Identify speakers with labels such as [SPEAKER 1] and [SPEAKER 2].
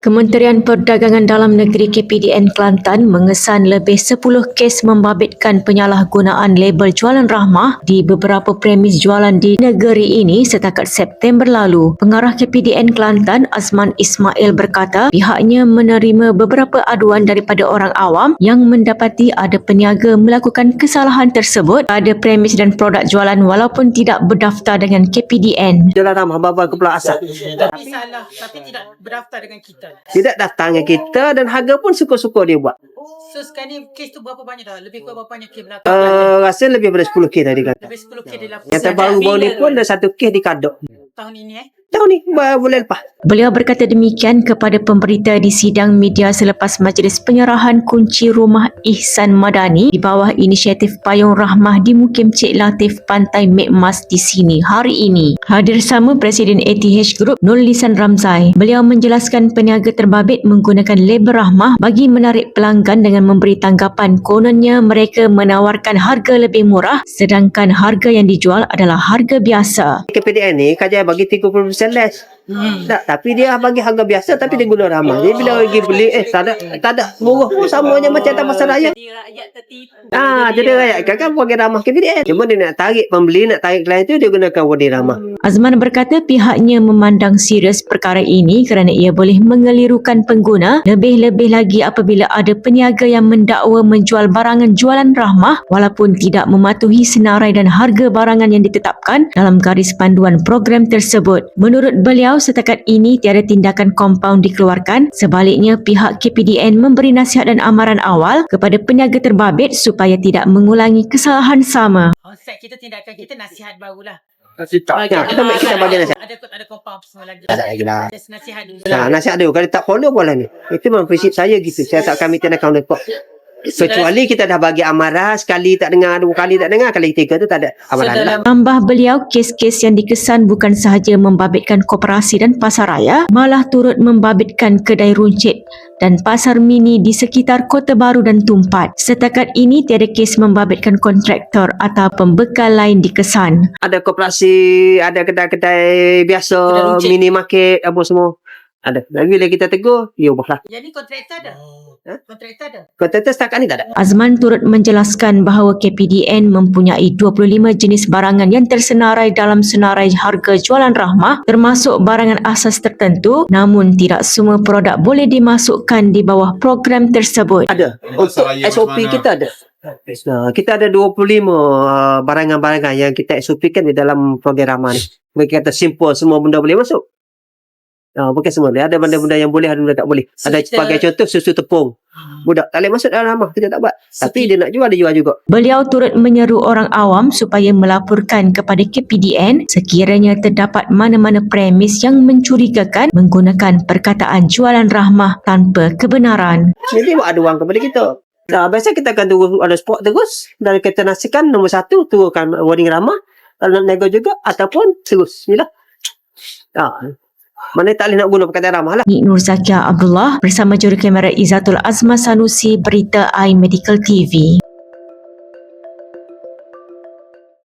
[SPEAKER 1] Kementerian Perdagangan Dalam Negeri KPDN Kelantan mengesan lebih 10 kes membabitkan penyalahgunaan label jualan rahmah di beberapa premis jualan di negeri ini setakat September lalu. Pengarah KPDN Kelantan Azman Ismail berkata pihaknya menerima beberapa aduan daripada orang awam yang mendapati ada peniaga melakukan kesalahan tersebut pada premis dan produk jualan walaupun tidak berdaftar dengan KPDN.
[SPEAKER 2] Jualan ramah baba kepala asal.
[SPEAKER 3] Tapi salah, tapi tidak berdaftar dengan kita.
[SPEAKER 2] Tidak datang dengan kita dan harga pun suka-suka dia buat.
[SPEAKER 3] So sekarang ni kes tu berapa banyak dah? Lebih kurang berapa banyak kes berlaku?
[SPEAKER 2] Rasa lebih daripada 10 kes tadi kata.
[SPEAKER 3] Lebih 10 kes dilakukan.
[SPEAKER 2] Yang terbaru-baru ni pun ada satu kes di Kadok.
[SPEAKER 3] Tahun ini
[SPEAKER 2] Tahun ni bulan lepas.
[SPEAKER 1] Beliau berkata demikian kepada pemberita di sidang media selepas majlis penyerahan kunci rumah Ihsan Madani di bawah inisiatif Payung Rahmah di Mukim Cik Latif Pantai Mekmas di sini hari ini. Hadir sama Presiden ATH Group Nur Lisan Ramzai. Beliau menjelaskan peniaga terbabit menggunakan label rahmah bagi menarik pelanggan dengan memberi tanggapan kononnya mereka menawarkan harga lebih murah sedangkan harga yang dijual adalah harga biasa.
[SPEAKER 2] KPDN ni kajian bagi 30% less. Tak, tapi dia bagi harga biasa tapi dia guna ramah. Jadi bila pergi beli tak ada murah pun samanya macam tak pasar raya.
[SPEAKER 3] rakyat tertipu.
[SPEAKER 2] Jadi rakyat kan bagi ramah KPDN. Cuma dia nak tarik pembeli, nak tarik klien tu dia gunakan wadi ramah.
[SPEAKER 1] Azman berkata pihaknya memandang serius perkara ini kerana ia boleh mengelirukan pengguna, lebih-lebih lagi apabila ada peniaga yang mendakwa menjual barangan jualan rahmah walaupun tidak mematuhi senarai dan harga barangan yang ditetapkan dalam garis panduan program tersebut. Menurut beliau, setakat ini tiada tindakan kompaun dikeluarkan. Sebaliknya, pihak KPDN memberi nasihat dan amaran awal kepada peniaga terbabit supaya tidak mengulangi kesalahan sama.
[SPEAKER 3] Konsep kita, tindakan kita nasihat barulah.
[SPEAKER 2] Kita bagi nasihat.
[SPEAKER 3] Ada kompaun semua lagi.
[SPEAKER 2] Tak lagi lah.
[SPEAKER 3] Just nasihat dulu.
[SPEAKER 2] Nasihat dia kalau tak follow boleh ni. Itu memang prinsip saya gitu. Saya tak akan tindakan rekod. Kecuali kita dah bagi amaran sekali tak dengar, dua kali tak dengar, kali ketiga tu tak ada amaran lah.
[SPEAKER 1] Tambah beliau, kes-kes yang dikesan bukan sahaja membabitkan koperasi dan pasar raya, malah turut membabitkan kedai runcit dan pasar mini di sekitar Kota Baru dan Tumpat. Setakat ini tiada kes membabitkan kontraktor atau pembekal lain dikesan.
[SPEAKER 2] Ada koperasi, ada kedai-kedai biasa, mini market, apa semua. Ada. Dan bila kita tegur, dia ubahlah.
[SPEAKER 3] Jadi kontraktor ada? Kontraktor ada?
[SPEAKER 2] Kontraktor setakat ni tak ada.
[SPEAKER 1] Azman turut menjelaskan bahawa KPDN mempunyai 25 jenis barangan yang tersenarai dalam senarai harga jualan rahmah termasuk barangan asas tertentu, namun tidak semua produk boleh dimasukkan di bawah program tersebut.
[SPEAKER 2] Ada. Untuk SOP kita ada. Kita ada 25 barangan-barangan yang kita SOP-kan di dalam program ramah ni. Mereka kata simple, semua benda boleh masuk. Bukan semua. Ada benda-benda yang boleh, ada benda tak boleh. Ada sebagai contoh susu tepung. Budak tak boleh masuk dalam ramah, kita tak buat. Tapi dia nak jual, dia jual juga.
[SPEAKER 1] Beliau turut menyeru orang awam supaya melaporkan kepada KPDN sekiranya terdapat mana-mana premis yang mencurigakan menggunakan perkataan jualan rahmah tanpa kebenaran.
[SPEAKER 2] Jadi buat aduan kepada kita. Biasa kita akan tunggu ada spot terus. Dan kita nasikan nombor 1, turunkan warning ramah. Kalau nak nego juga, ataupun terus. Inilah. Mana tak boleh nak guna perkataan ramah lah.
[SPEAKER 1] Nur Zakia Abdullah bersama juru kamera Izatul Azma Sanusi, Berita iMedical TV.